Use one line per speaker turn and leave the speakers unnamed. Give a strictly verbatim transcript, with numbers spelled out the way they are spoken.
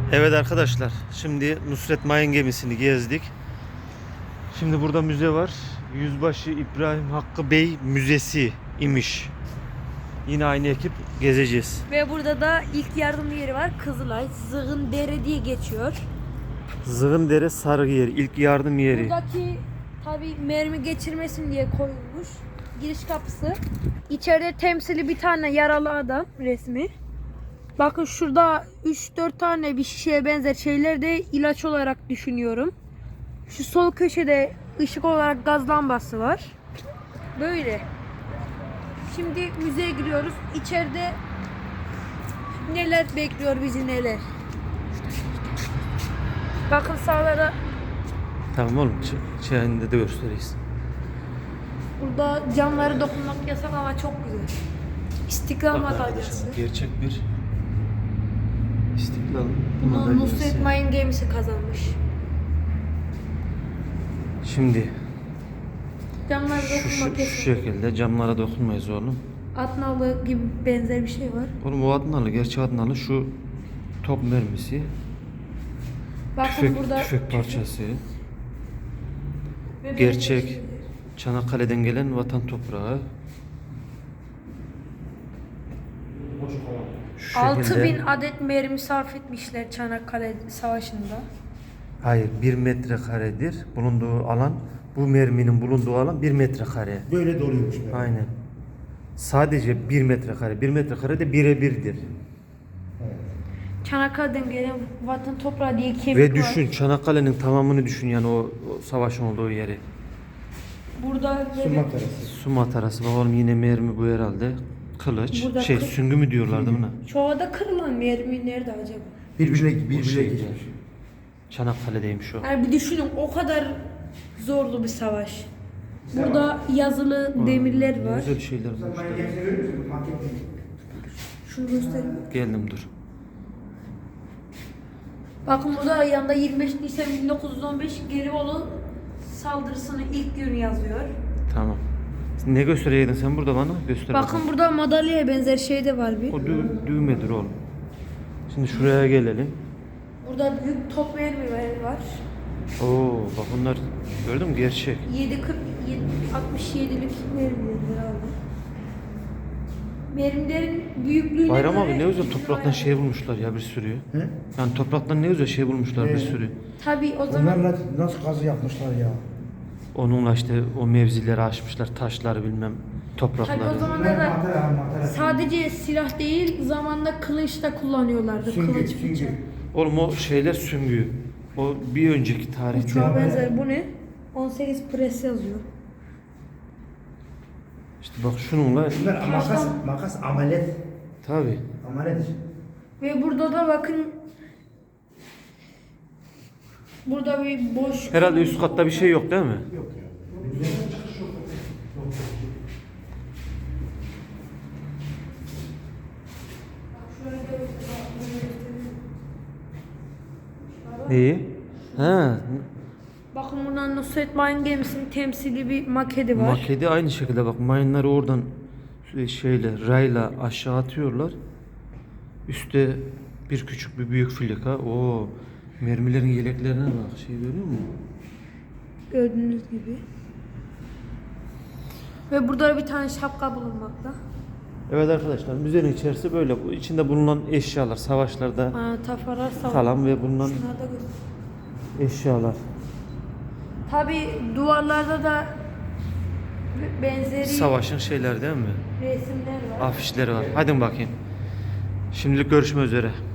Evet arkadaşlar, şimdi Nusret Mayın gemisini gezdik. Şimdi burada müze var. Yüzbaşı İbrahim Hakkı Bey Müzesi imiş. Yine aynı ekip gezeceğiz.
Ve burada da ilk yardım yeri var. Kızılay, Zığındere diye geçiyor.
Zığındere Sarıyer ilk yardım yeri.
Buradaki tabi mermi geçirmesin diye koyulmuş. Giriş kapısı. İçeride temsili bir tane yaralı adam resmi. Bakın şurada üç dört tane bir şişeye benzer şeyler de ilaç olarak düşünüyorum. Şu sol köşede ışık olarak gaz lambası var. Böyle. Şimdi müzeye giriyoruz. İçeride neler bekliyor bizi neler. Bakın sağlara.
Tamam oğlum, içerisinde de gösteririz.
Burada camları dokunmak yasak ama çok güzel. İstiklal
Bak
Madalyası.
arkadaşlar, gerçek bir İstiklal
Bunu
Madalyası.
Nusret Mayın gemisi kazanmış.
Şimdi
Camlara
şu, şu,
dokunmak
şu
yasak.
şekilde camlara dokunmayız oğlum.
Atnalı gibi benzer bir şey var.
Oğlum o Adnalı, gerçek Adnalı şu top mermisi.
Bakın
Tüfek,
burada
tüfek parçası.
ve
Gerçek
benzer şeyler.
Çanakkale'den gelen vatan toprağı. Şu
altı
şekilde-
bin adet mermi sarf etmişler Çanakkale Savaşı'nda.
Hayır, bir metrekaredir bulunduğu alan. Bu merminin bulunduğu alan bir metrekare.
Böyle doluyormuş böyle.
Aynen. Sadece bir metrekare. Bir metrekare de birebirdir.
Çanakkale'den gelen vatan toprağı diye kemik
Ve
var.
düşün, Çanakkale'nin tamamını düşün yani o, o savaşın olduğu yeri.
Burada
Su
böyle
matarası.
Su matarası. Bakalım yine mermi bu herhalde. Kılıç.
Burada
şey
kı-
süngü mü diyorlardı buna?
çoğada kırılan mermi nerede acaba?
Birbirine,
Bu
birbirine
şeyde.
geçmiş.
Çanakkale'deymiş o.
Yani bir düşünün o kadar zorlu bir savaş. Burada yazılı demirler
Ne
var.
güzel şeyler bulmuşlar.
Şunu göstereyim.
Geldim dur.
Bakın burada yanında yirmi beş Nisan bin dokuz yüz on beş Gelibolu saldırısının ilk günü yazıyor.
Tamam. Ne göstereydin sen burada bana? Göster
Bakın
bakalım.
burada madalyaya benzer şey de var bir.
O dü- düğmedir oğlum. Şimdi şuraya gelelim.
Burada büyük top mermiler var.
Oo bak bunlar gördün mü gerçek.
yedi kırk altmış yedilik mermiler herhalde. Mermilerin büyüklüğüne
Bayram
göre
abi ne güzel
iki
topraktan
bayağı-
şey bulmuşlar ya bir sürü.
He?
Yani topraktan ne güzel şey bulmuşlar bir
Ee?
sürü.
Tabii o zaman
Onlarla nasıl kazı yapmışlar ya?
Onunla işte o mevzileri aşmışlar, taşları bilmem,
tabii
toprakları.
o zamanlar da
Matara, matara.
sadece silah değil zamanda kılıç da kullanıyorlardı.
Süngü,
Kılıç
süngü.
bıçak.
Oğlum o şeyler süngü. O bir önceki tarihte.
Uçağa benzer. Bu ne? on sekiz pres yazıyor.
İşte bak şununla
Bunlar makas, makas amalet.
tabi.
Amalet.
Ve burada da bakın burada bir boş
Herhalde üst katta bir şey yok değil mi?
Yok ya.
İyi. Ha,
Bakın buradan Nusret Mayın gemisinin temsili bir maketi var.
maketi aynı şekilde bak mayınları oradan şeyle rayla aşağı atıyorlar. Üstte bir küçük bir büyük filika. Oo, mermilerin yeleklerine bak. Şey görüyor musun?
Gördüğünüz gibi. Ve burada bir tane şapka bulunmakta.
Evet arkadaşlar, müzenin içerisi böyle. Bu içinde bulunan eşyalar, savaşlarda
Aa, tafalar savaş.
kalan ve bulunan
Şunları da göster.
eşyalar.
Tabi duvarlarda da benzeri
Savaşın şeyler değil mi?
resimler var.
Afişleri var. Hadi bakayım. Şimdilik görüşmek üzere.